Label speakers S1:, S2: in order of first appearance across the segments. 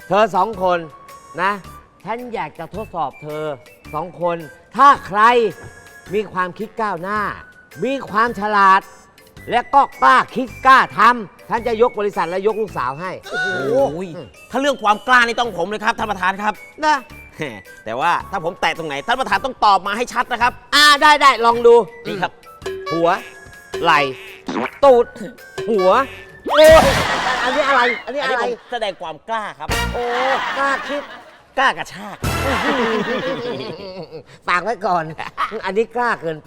S1: เธอสองคนนะฉันอยากจะทดสอบเธอสองคน ถ้าใครมีความคิดก้าวหน้า มีความฉลาด และก็กล้าคิดกล้าทำฉันจะยกบริษัทและยกลูกสาวให้
S2: โอ้ยถ้าเรื่องความกล้านี่ต้องผมเลยครับท่านประธานครับ
S1: นะ
S2: แต่ว่าถ้าผมแตะตรงไหนท่านประธานต้องตอบมาให้ชัดนะครับ
S1: ได้ลองดู
S2: นี่ครับ
S1: หัว ไหล่ตูด หัว โอ้ยอันนี้อะไร อันนี้
S2: อัน
S1: อะ
S2: นี้
S1: ไร
S2: ผมแสดงความกล้าครับ
S1: โอ้กล้าคิด
S2: กล้ากระชาก
S1: ฝากไว้ก่อน อันนี้กล้าเกินไป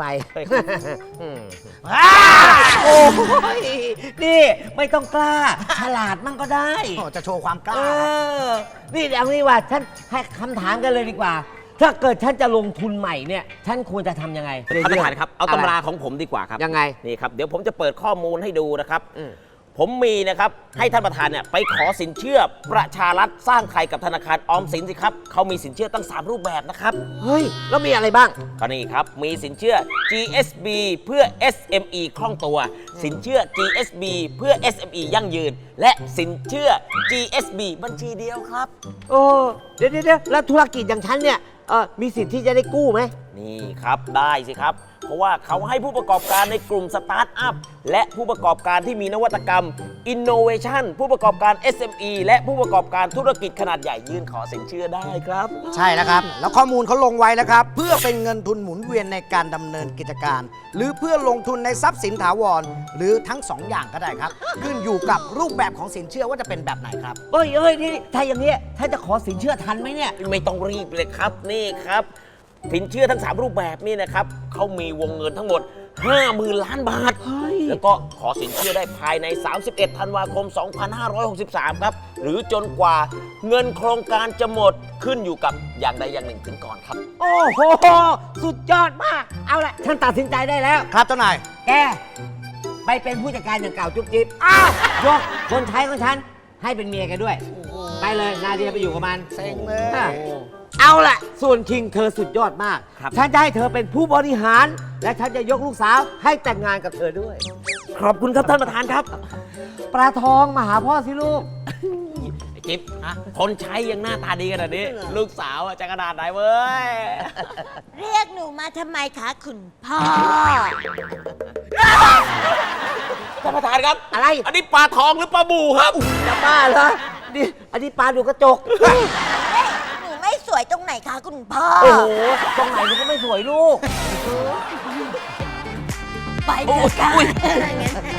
S1: โอ้ยนี่ไม่ต้องกล้า ฉลาดมั่งก็ได้
S3: จะโชว์ความกล้า
S1: นี่เอางี้ว่าฉันให้คำถามกันเลยดีกว่า ถ้าเกิดฉันจะลงทุนใหม่เนี่ย ฉันควรจะทำยังไง
S2: ท่านประธานครับ เอาตำราของผมดีกว่าครับ
S1: ยังไง
S2: นี่ครับ เดี๋ยวผมจะเปิดข้อมูลให้ดูนะครับ ผมมีนะครับ ให้ท่านประธานเนี่ยไปขอสินเชื่อประชารัฐสร้างไทยกับธนาคารออมสินสิครับ เขามีสินเชื่อตั้ง 3 รูปแบบนะครับ
S1: เฮ้ย แล้วมีอะไรบ้าง
S2: ก็นี่ครับ มีสินเชื่อ GSB เพื่อ SME คล่องตัว สินเชื่อ GSB เพื่อ SME ยั่งยืน และสินเชื่อ GSB บัญชีเดียวครับ
S1: โอ้เดี๋ยวแล้วธุรกิจอย่างฉันเนี่ยมีสิทธิ์ที่จะได้กู้ไหม
S2: นี่ครับได้สิครับ เพราะว่าเขาให้ผู้ประกอบการในกลุ่มสตาร์ทอัพและผู้ประกอบการที่มีนวัตกรรม Innovation ผู้ประกอบการ SME และผู้ประกอบการธุรกิจขนาดใหญ่ยื่นขอสินเชื่อได้ครับ
S3: ใช่แล้วครับ แล้วข้อมูลเขาลงไว้แล้วครับ เพื่อเป็นเงินทุนหมุนเวียนในการดำเนินกิจการ หรือเพื่อลงทุนในทรัพย์สินถาวร หรือทั้ง 2 อย่างก็ได้ครับ ขึ้นอยู่กับรูปแบบของสินเชื่อว่าจะเป็นแบบไหนครับ
S1: เอ้ยนี่ถ้าอย่างเงี้ยถ้าจะขอสินเชื่อทันไหมเนี่ย
S2: ไม่ต้องรีบเลยครับนี่ครับสินเชื่อทั้ง 3 รูปแบบนี่นะครับเขามีวงเงินทั้งหมด 50,000 ล้านบาท แล้วก็ขอสินเชื่อได้ภายใน 31 ธันวาคม 2563 ครับ หรือจนกว่าเงินโครงการจะหมดขึ้นอยู่กับอย่างใดอย่างหนึ่งถึงก่อนครับ
S1: โอ้โห สุดยอดมาก เอาละฉันตัดสินใจได้แล้ว
S3: ครับเจ้านาย
S1: แก ไปเป็นผู้จัดการอย่างเก่าจุ๊บจิ๊บยกคนใช้ของฉัน ให้เป็นเมียแกด้วย ไปเลยนาเดียไปอยู่กับมัน
S3: เซ็งเลย
S1: เอาละส่วนคิงเธอสุดยอดมาก
S2: ครับ
S1: ฉันจะให้เธอเป็นผู้บริหาร และฉันจะยกลูกสาวให้แต่งงานกับเธอด้วย
S2: ขอบคุณครับท่านประธานครับ
S1: ปลาทองมาหาพ่อสิลูก
S2: ไอ้จิ๊บคนใช้ยังหน้าตาดีขนาดนี้ ลูกสาวจะขนาดไหนเว้ย
S4: เรียกหนูมาทำไมคะคุณพ่อ
S2: ท่านประธานครับ
S1: อะไร
S2: อันนี้ปลาทองหรือปลาบูครับ
S1: จะบ้าเหรอนี่อันนี้ปลาดูกระจก
S4: หนูไม่สวยตรงไหนคะคุณพ่อ
S1: โอ้โห ตรงไหนมันก็ไม่สวยลูก
S4: ไปเถอะค่ะ
S2: อุ๊ย
S4: งั้น